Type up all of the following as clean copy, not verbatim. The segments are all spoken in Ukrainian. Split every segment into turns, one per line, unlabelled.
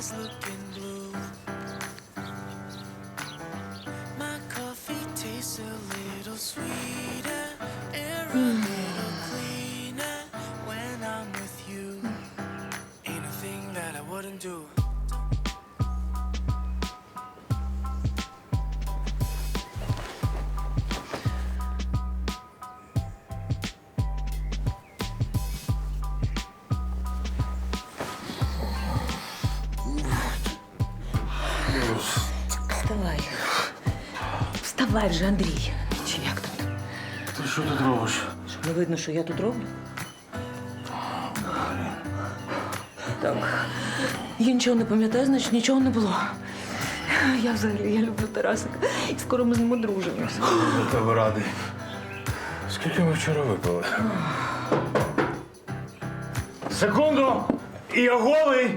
eyes looking blue. My coffee tastes a little sweeter, air a little cleaner when I'm with you. Ain't a thing that I wouldn't do.
Вставай. Вставай вже, Андрій. Чи як тут?
Ти що тут робиш?
Що, не видно, що я тут роблю? Так. Я нічого не пам'ятаю, значить нічого не було. Я взагалі, я люблю Тарасика. І скоро ми з ним одружимося.
Я тебе радий. Скільки ми вчора випили? Секунду! І я голий!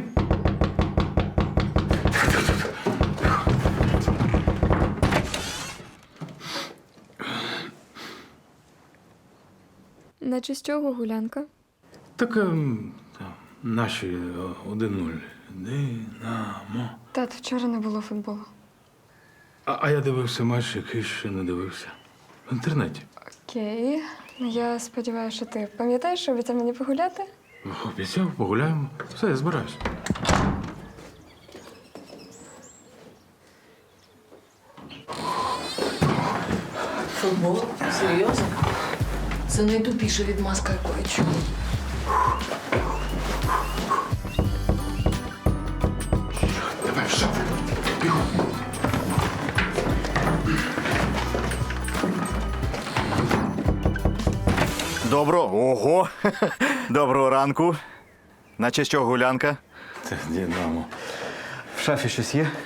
Наче з чого гулянка?
Так наші 1-0. Динамо.
Тат, вчора не було футболу.
А я дивився матч, який ще не дивився. В інтернеті.
Окей. Я сподіваюся, що ти пам'ятаєш, що обіцяв мені погуляти?
Обіцяв, погуляємо. Все, я збираюсь.
Футбол? Серйозно? Це найтупіша відмазка, яку я чула.
Давай, в шафу. Бігом.
Ого! Доброго ранку. Наче що гулянка?
Це Динамо.
В шафі щось є?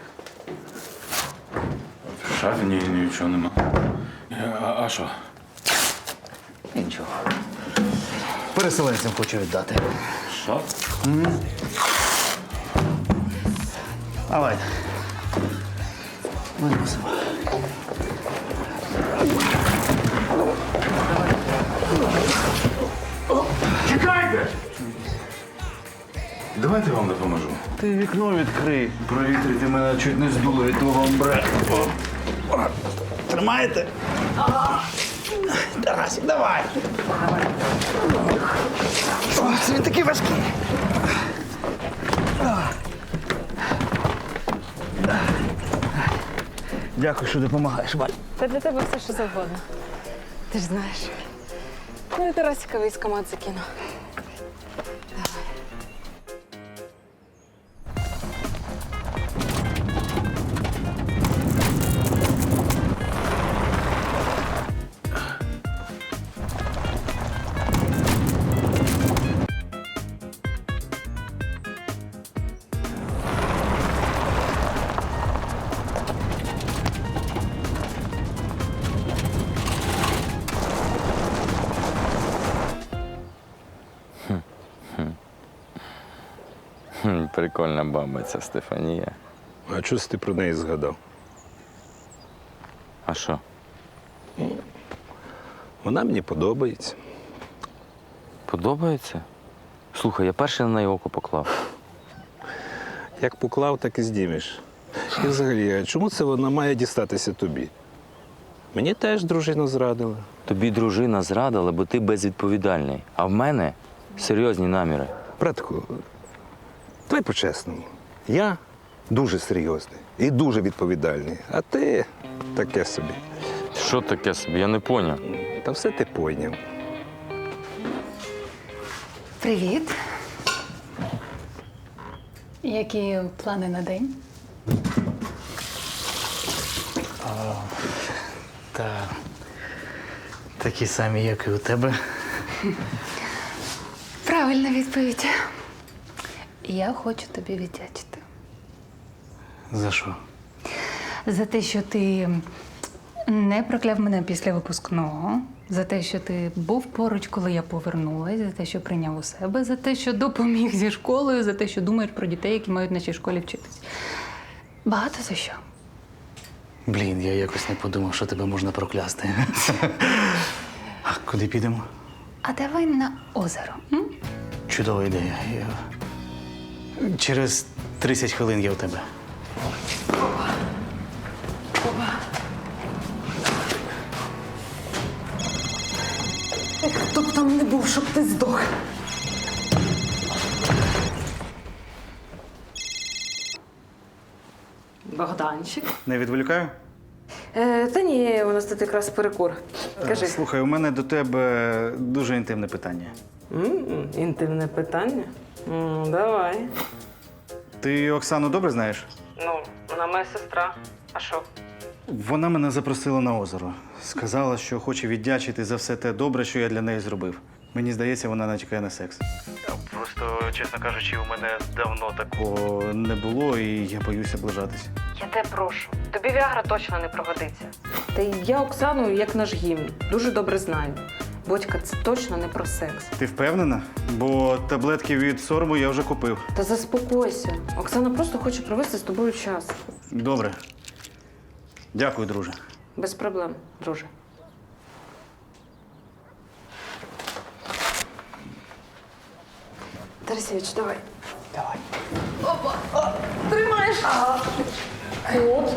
В шафі нічого нема. А що?
Нічого. Переселенцям хочу віддати.
Що?
Давай. Виносимо.
Чекайте! Давайте я вам допоможу.
Ти вікно відкрий. Провітрити мене чуть не здуло від твого амбре. Тримаєте? Тарасик, давай. Це він такий важкий. Дякую, що допомагаєш, Валь.
Та для тебе все, що завгодно. Ти ж знаєш. Ну і Тарасика військомат закину.
Прикольна баба ця Стефанія.
А чого ти про неї згадав?
А що?
Вона мені подобається.
Подобається? Слухай, я перший на неї око поклав.
Як поклав, так і здімеш. І взагалі, а чому це вона має дістатися тобі? Мені теж дружина зрадила.
Тобі дружина зрадила, бо ти безвідповідальний. А в мене серйозні наміри.
Братку, давай по-чесному. Я дуже серйозний і дуже відповідальний, а ти таке собі.
Що таке собі? Я не поняв.
Та все ти пойняв.
Привіт. Які плани на день?
Та такі самі, як і у тебе.
Правильна відповідь. Я хочу тобі віддячити.
За що?
За те, що ти не прокляв мене після випускного, за те, що ти був поруч, коли я повернулась, за те, що прийняв у себе, за те, що допоміг зі школою, за те, що думаєш про дітей, які мають в нашій школі вчитись. Багато за що.
Блін, я якось не подумав, що тебе можна проклясти. А куди підемо?
А давай на озеро. М?
Чудова ідея. Через 30 хвилин є у тебе.
Хто б там не був, щоб ти здох. Богданчик.
Не відволікаю?
Та ні, у нас тут якраз перекур. Кажи.
Слухай, у мене до тебе дуже інтимне питання.
Інтимне питання? Давай.
Ти Оксану добре знаєш?
Ну, вона моя сестра. А що?
Вона мене запросила на озеро. Сказала, що хоче віддячити за все те добре, що я для неї зробив. Мені здається, вона натякає на секс. Просто, чесно кажучи, у мене давно такого не було, і я боюся ближатись.
Я тебе прошу. Тобі Віагра точно не пригодиться. Та й я Оксану, як наш гімн, дуже добре знаю. Бодька, це точно не про секс.
Ти впевнена? Бо таблетки від сорому я вже купив.
Та заспокойся. Оксана просто хоче провести з тобою час.
Добре. Дякую, друже.
Без проблем, друже. Тарасевич, давай. Давай. Опа! О, тримаєш! От.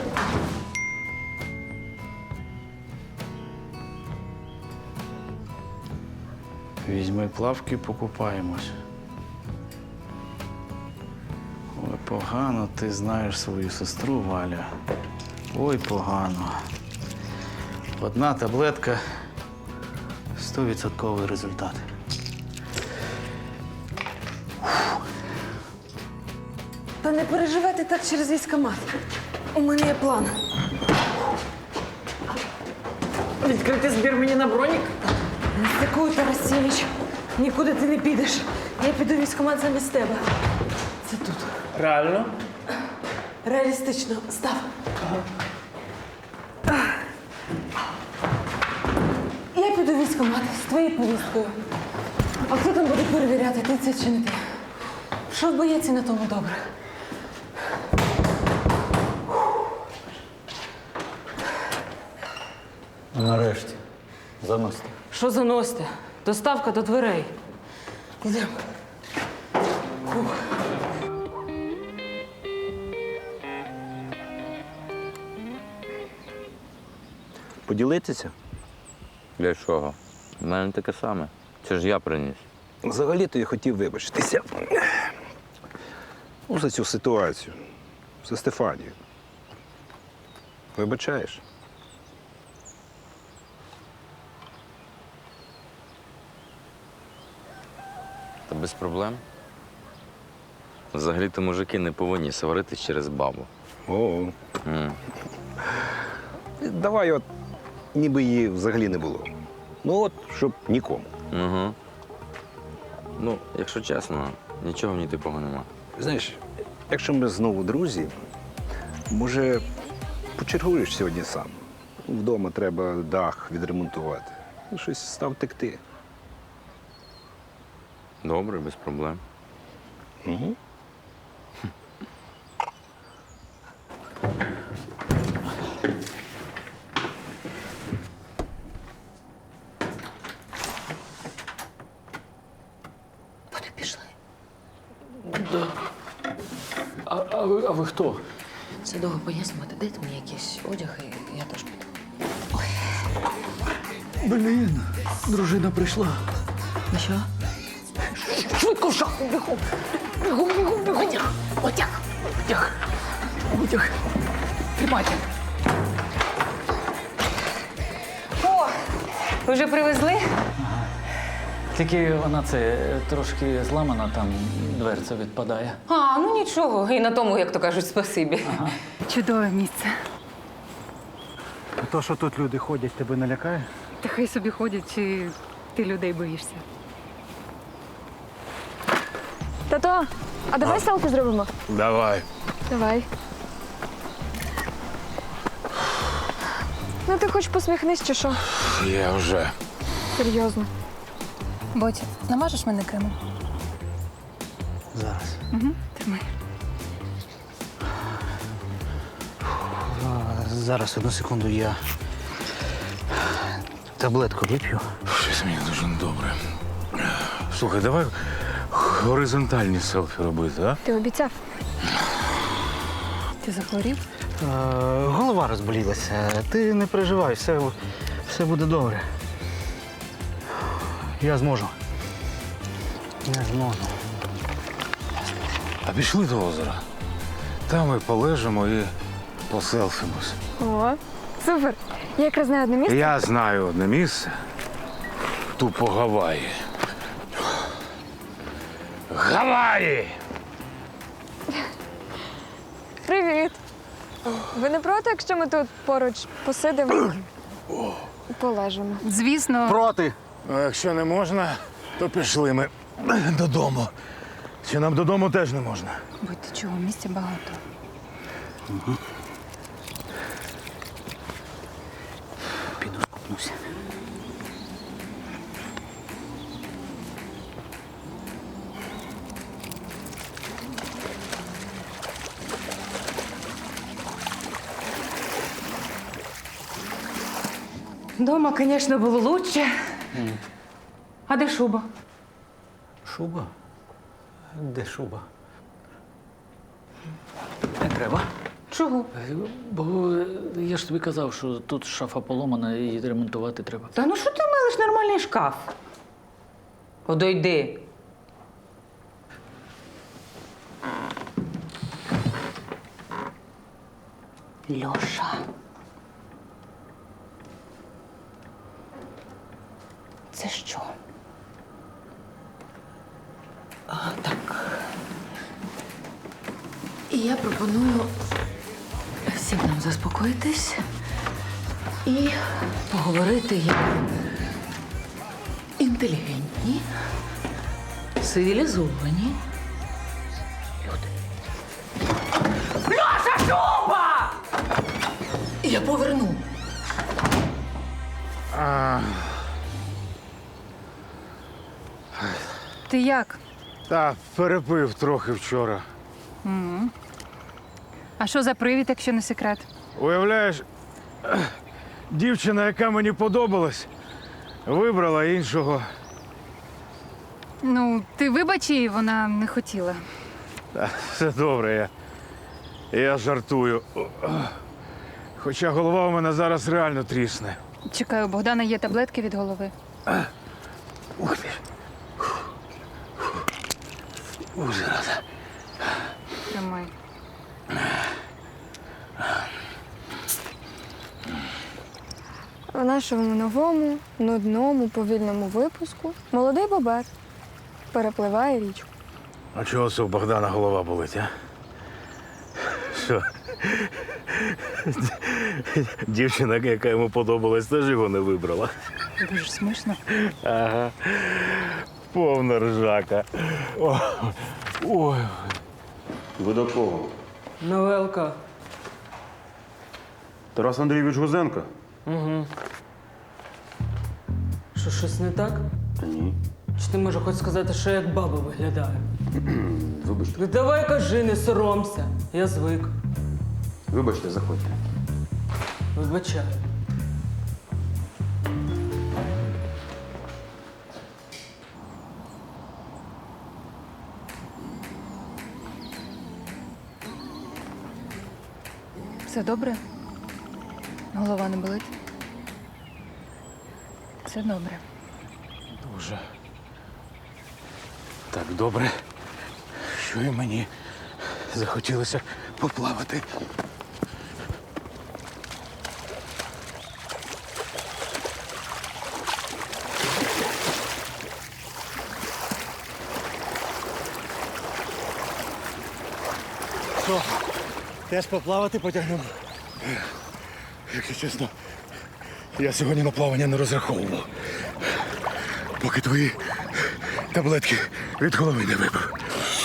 Візьми плавки, покупаємось. Ой, погано ти знаєш свою сестру, Валя. Ой, погано. Одна таблетка 100% результат.
Та не переживайте так через військкомат. У мене є план. Відкрити збір мені на бронік? Дякую, Тарасевич. Нікуди ти не підеш. Я піду в військкомат замість тебе. Це тут.
Реально?
Реалістично. Став. Я піду в військкомат з твоєю повісткою. А хто там буде перевіряти, ти це чи не ти? Що в боєці на тому добре?
Нарешті. Заносите.
Що заносите? Доставка до дверей. Йдемо.
Поділитися?
Для чого? У мене таке саме. Це ж я приніс.
Взагалі-то я хотів вибачитися. Ну, за цю ситуацію. За Стефанію. Вибачаєш?
Та без проблем. Взагалі-то мужики не повинні сваритись через бабу.
О.
М.
Давай от, ніби її взагалі не було. Ну от, щоб нікому.
Угу. Ну, якщо чесно, нічого в ній типого нема.
Знаєш, якщо ми знову друзі, може, почергуєш сьогодні сам. Вдома треба дах відремонтувати. Ну, щось став текти.
Добре, без проблем.
Угу.
Вони пішли.
А ви хто?
Це довго пояснювати. Дайте мені якийсь одяг, і я теж піду.
Блін, дружина прийшла.
Ну що? Швидко в шахту, бігом! Бігом, бігом, бігом!
Витяг. Тримайте.
О! Ви вже привезли?
Тільки вона це трошки зламана, там дверця відпадає.
А, ну нічого. І на тому, як то кажуть, спасибі. Чудове місце.
То, що тут люди ходять, тебе не лякає?
Та хай собі ходять, чи ти людей боїшся?
Тато, а давай селфі зробимо?
Давай.
Давай. Ну ти хоч посміхнись, чи що?
Я вже.
Серйозно.
Ботя, намажеш мене кремом?
Зараз.
Тримай.
Зараз, одну секунду, я таблетку вип'ю.
Щось мені дуже добре. Слухай, давай горизонтальні селфі робити, а?
Ти обіцяв.
Ти захворів?
Голова розболілася. Ти не переживай, все буде добре. Я зможу. Я зможу.
А пішли до озера. Там ми полежимо і поселфимось.
О, супер! Я якраз знаю одне місце.
Я знаю одне місце. Тупо Гаваї. Гаваї!
Привіт! Ви не проти, якщо ми тут поруч посидимо і полежимо?
Звісно.
Проти!
А якщо не можна, то пішли ми додому. Чи нам додому теж не можна?
Будьте чого, місця багато.
Піду скупнуся.
Дома, звісно, було лучше. А де шуба?
Шуба? Де шуба? Не треба.
Чого?
Бо я ж тобі казав, що тут шафа поломана і її ремонтувати треба.
Та ну що ти милиш нормальний шкаф? Подойди. Льоша. Це що? І я пропоную всім нам заспокоїтись і поговорити як інтелігентні, цивілізовані люди. Льоша, шуба! Я поверну.
Ти як?
Та перепив трохи вчора.
А що за привід, якщо не секрет?
Уявляєш, дівчина, яка мені подобалась, вибрала іншого.
Ну, ти вибач її, вона не хотіла.
Та, все добре, я жартую. Хоча голова у мене зараз реально трісне.
Чекаю, у Богдана є таблетки від голови.
Ух ти. Ужас.
Тримай.
В нашому новому, нудному, повільному випуску молодий бобер перепливає річку.
А чого це у Богдана голова болить, а? Що? Дівчина, яка йому подобалась, теж його не вибрала.
Дуже смішно.
Ага. Повна ржака. Ой.
Ви до кого?
Новелка.
Тарас Андрійович Гузенко?
Що, щось не так?
Та ні.
Чи ти можеш хоч сказати, що я як баба виглядаю?
Вибачте.
Ну давай кажи, не соромся. Я звик.
Вибачте, заходьте.
Вибачаю.
Все добре? Голова не болить? Все добре.
Дуже. Так добре, що і мені захотілося поплавати.
Що? Теж поплавати потягнемо?
Якщо чесно, я сьогодні на плавання не розраховував. Поки твої таблетки від голови не випив.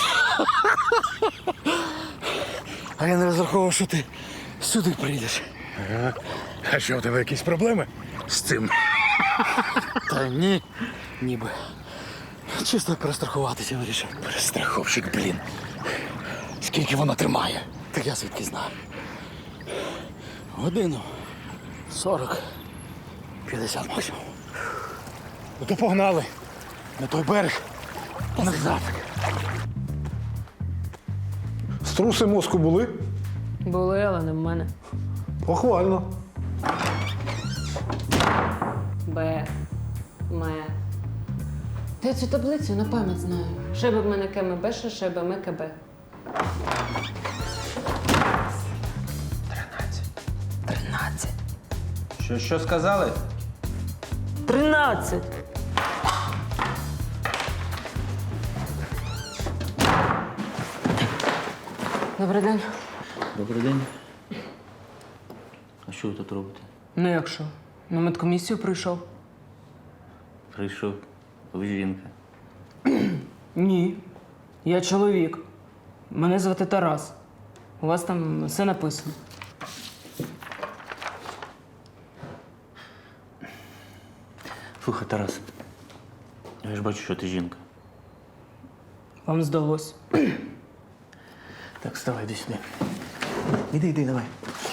А я не розраховував, що ти сюди прийдеш.
А що, у тебе якісь проблеми з цим?
Та ні, ніби. Чисто перестрахуватися вирішив.
Перестраховщик, блін. Скільки воно тримає?
Так я звідки знаю. Годину 40, 50 максимум.
Ну то погнали. На той берег. Назад.
Струси мозку були?
Були, але не в мене.
Похвально.
Б. Ме. Та я цю таблицю на пам'ять знаю. Шеби в мене кеме беша, шеби ме КБ. 13.
Що сказали?
13. Добрий день.
Добрий день. А що ви тут робите?
Ну як що? На медкомісію прийшов?
Прийшов. Ви жінка.
Ні. Я чоловік. Мене звати Тарас. У вас там все написано.
Слухай, Тарас, я ж бачу, що ти жінка.
Вам здалось.
Так, вставай, йди сюди. Іди, давай.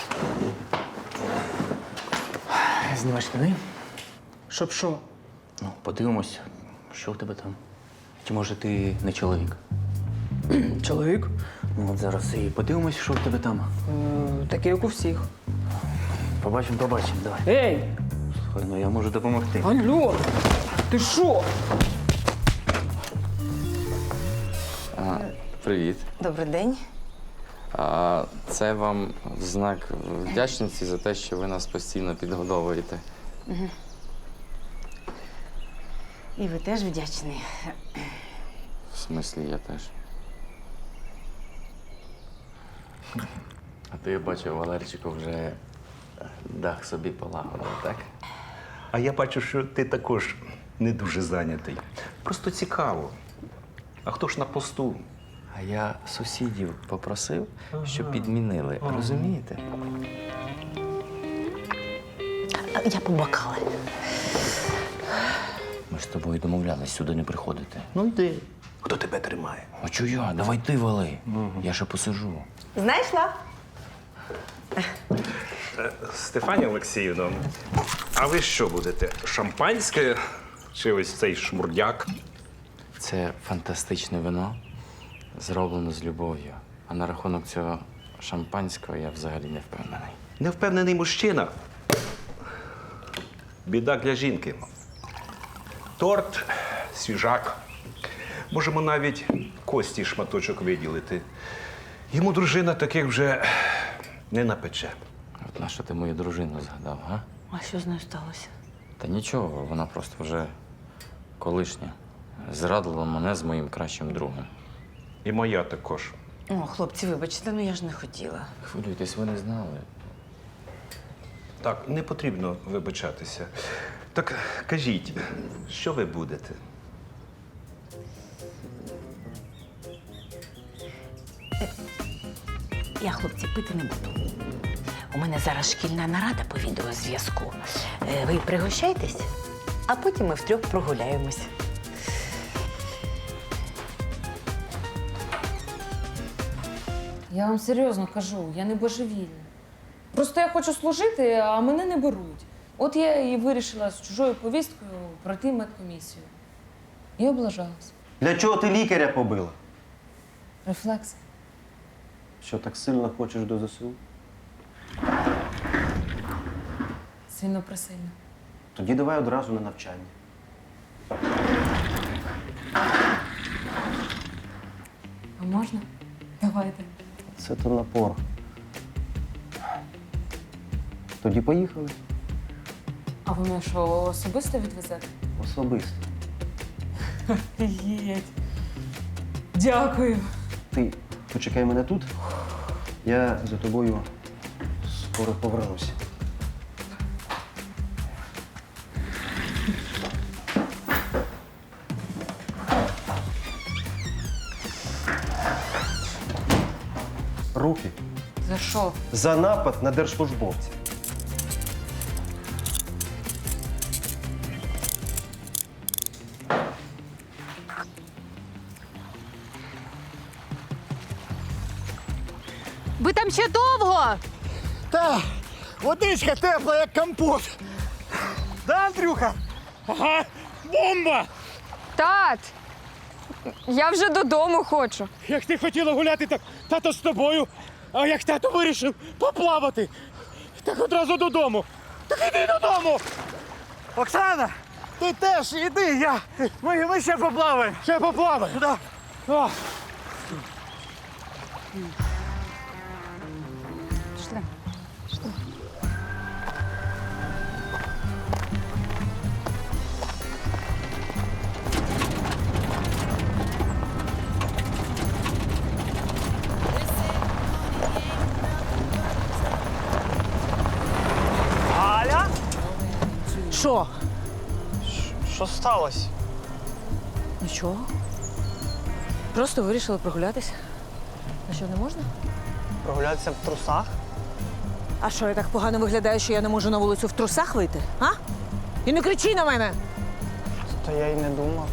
Знімай штани.
Щоб що?
Ну, подивимось, що в тебе там. Чи може ти не чоловік?
Чоловік?
Ну, от зараз і подивимось, що в тебе там.
Такий, як у всіх.
Побачимо, давай.
Ей!
Слухай, ну я можу допомогти.
Алло! Ти що?
Привіт.
Добрий день.
Це вам в знак вдячності за те, що ви нас постійно підгодовуєте.
І ви теж вдячний.
В смислі, я теж. А то я бачу, Валерчику вже дах собі полагодив, так?
А я бачу, що ти також не дуже зайнятий. Просто цікаво. А хто ж на посту?
А я сусідів попросив, щоб підмінили. Розумієте?
Я побакала.
Ми ж з тобою домовлялись сюди не приходити.
Ну йди. Хто тебе тримає?
А чого я? Давай ти вали. Я ще посижу.
Знайшла?
Стефанія Олексіївна, а ви що будете? Шампанське чи ось цей шмурдяк?
Це фантастичне вино, зроблено з любов'ю. А на рахунок цього шампанського я взагалі не впевнений.
Невпевнений мужчина. Біда для жінки. Торт, свіжак. Можемо навіть Кості шматочок виділити. Йому дружина таких вже не напече.
От на що ти мою дружину згадав, га?
А що з нею сталося?
Та нічого, вона просто вже колишня. Зрадила мене з моїм кращим другом.
І моя також.
О, хлопці, вибачте, ну я ж не хотіла.
Хвилюйтесь, ви не знали.
Так, не потрібно вибачатися. Так кажіть, що ви будете?
Я, хлопці, пити не буду. У мене зараз шкільна нарада по відеозв'язку. Ви пригощайтесь, а потім ми втрьох прогуляємось.
Я вам серйозно кажу, я не божевільна. Просто я хочу служити, а мене не беруть. От я і вирішила з чужою повісткою пройти медкомісію. І облажалась.
Для чого ти лікаря побила?
Рефлекс.
Що так сильно хочеш до ЗСУ?
Сильно присильно.
Тоді давай одразу на навчання.
А можна? Давайте.
Це то напор. Тоді поїхали.
А ви мене що, особисто відвезете?
Особисто.
Єть. Дякую.
Ти почекай мене тут. Я за тобою скоро повернуся. Руки
За що?
за напад на держслужбовців.
Ви там ще довго?
Та, водичка тепла, як компот. Да, Андрюха? Ага, бомба!
Тат! Я вже додому хочу.
Як ти хотіла гуляти, так тато з тобою. А як тато вирішив поплавати, так одразу додому. Так іди додому!
Оксана, ти теж іди, ми ще поплаваємо.
Ще поплаваємо?
Да.
А.
Пішли.
Галя?
Що?
Що сталося?
Нічого. Просто вирішили прогулятися. А що, не можна?
Прогулятися в трусах?
А що, я так погано виглядаю, що я не можу на вулицю в трусах вийти? А? І не кричи на мене!
Та я й не думав.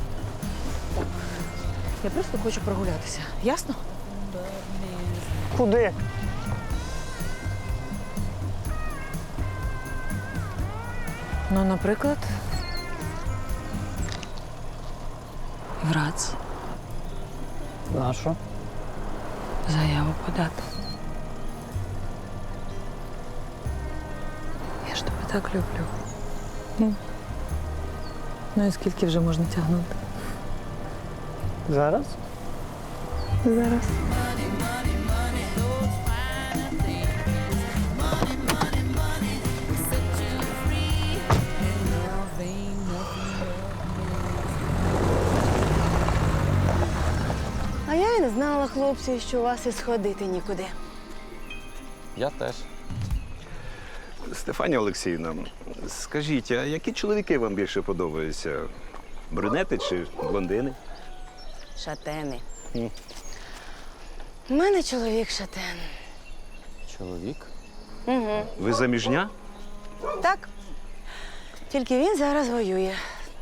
Я просто хочу прогулятися. Ясно?
Куди?
Ну, наприклад, Грац.
На що?
Заяву подати. Я ж тебе так люблю. Ну і скільки вже можна тягнути?
Зараз?
Зараз.
А я і не знала, хлопці, що у вас і сходити нікуди.
Я теж.
Стефанія Олексіївна, скажіть, а які чоловіки вам більше подобаються? Брюнети чи блондини?
Шатени. У мене чоловік шатен.
Чоловік?
Угу.
Ви заміжня?
Так. Тільки він зараз воює.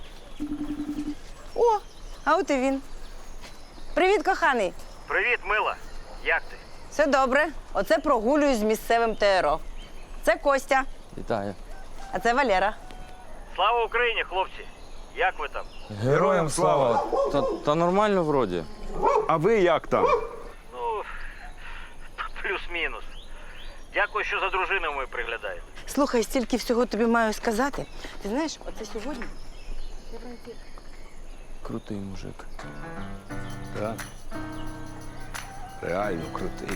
О, а от і він. Привіт, коханий.
Привіт, мила. Як ти?
Все добре. Оце прогулюю з місцевим ТРО. Це Костя,
Вітаю.
а це Валера.
Слава Україні, хлопці! Як ви там?
Героям слава! Та нормально вроді.
А ви як там?
Ну, плюс-мінус. Дякую, що за дружиною ви приглядаєте.
Слухай, стільки всього тобі маю сказати. Ти знаєш, оце сьогодні.
Крутий мужик.
Так. Реально крутий.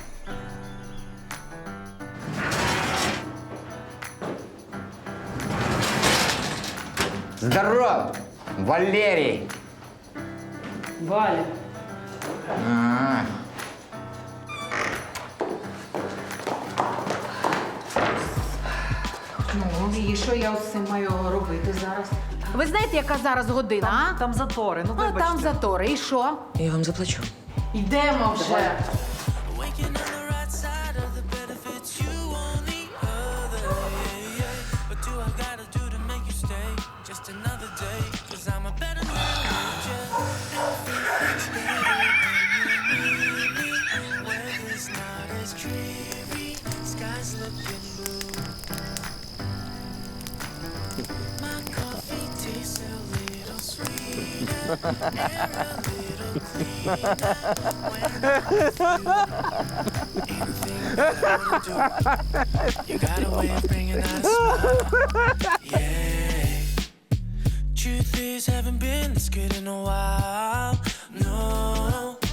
Здоров! Валерій!
Валя.
Ну, і що я з цим маю робити зараз?
Ви знаєте, яка зараз година?
Там затори, ну
А там затори. І що? Я вам заплачу.
Йдемо вже.
Waking on the right side of the bed if it's you on the other. Yeah, yeah. What do I gotta do to make you stay? Just another day, 'cause I'm a better man with you. Everything's better when you need me. Weather's not as dreary, sky's looking blue. My coffee tastes a little sweeter and a little cleaner when you got a way of bringing out a smile. Yeah. Truth is, haven't been this good in a while. No.